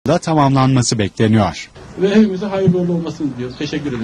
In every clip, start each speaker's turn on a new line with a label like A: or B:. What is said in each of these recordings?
A: da tamamlanması bekleniyor.
B: Ve hepimize hayırlı uğurlu olmasını diliyoruz. Teşekkür ederim.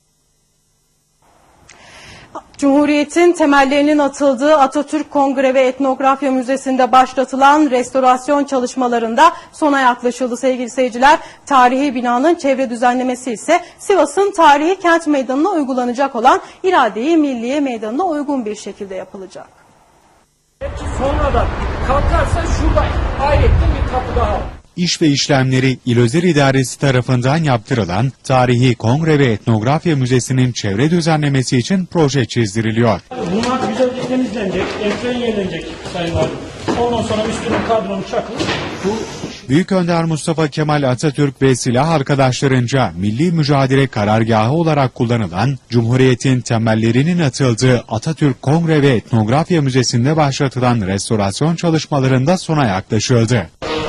C: Cumhuriyet'in temellerinin atıldığı Atatürk Kongre ve Etnografya Müzesi'nde başlatılan restorasyon çalışmalarında sona yaklaşıldı sevgili seyirciler. Tarihi binanın çevre düzenlemesi ise Sivas'ın tarihi kent meydanına uygulanacak olan İrade-i Milliye Meydanı'na uygun bir şekilde yapılacak.
D: Sonradan kalkarsa şurada ayrıca bir kapı daha var.
A: İş ve işlemleri İl Özel İdaresi tarafından yaptırılan Tarihi Kongre ve Etnografya Müzesi'nin çevre düzenlemesi için proje çizdiriliyor.
D: Bunlar güzelce temizlenecek, ekran yenilenecek sayılar. Ondan sonra üstüne kadronu çakılır.
A: Büyük Önder Mustafa Kemal Atatürk ve silah arkadaşlarınca milli mücadele karargahı olarak kullanılan Cumhuriyet'in temellerinin atıldığı Atatürk Kongre ve Etnografya Müzesi'nde başlatılan restorasyon çalışmalarında sona yaklaşıldı.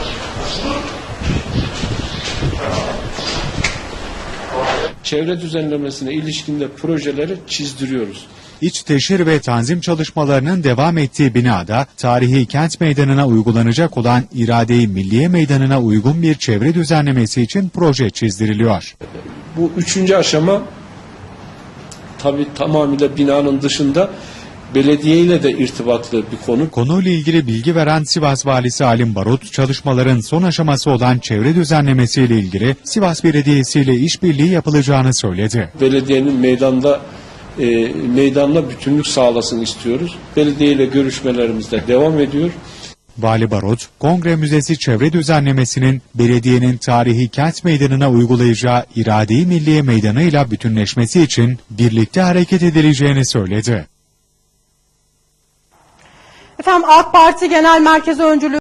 E: Çevre düzenlemesine ilişkinde projeleri çizdiriyoruz.
A: İç teşhir ve tanzim çalışmalarının devam ettiği binada tarihi kent meydanına uygulanacak olan İrade-i Milliye Meydanı'na uygun bir çevre düzenlemesi için proje çizdiriliyor.
E: Bu üçüncü aşama tabii tamamıyla binanın dışında belediye ile de irtibatlı bir konu.
A: Konuyla ilgili bilgi veren Sivas Valisi Alim Barut, çalışmaların son aşaması olan çevre düzenlemesiyle ilgili Sivas Belediyesi ile işbirliği yapılacağını söyledi.
E: Belediyenin meydanla bütünlük sağlasın istiyoruz. Belediye ile görüşmelerimiz de devam ediyor.
A: Vali Barut, Kongre Müzesi çevre düzenlemesinin belediyenin tarihi kent meydanına uygulayacağı İrade-i Milliye Meydanı ile bütünleşmesi için birlikte hareket edileceğini söyledi.
C: Efendim AK Parti Genel Merkezi Öncülüğü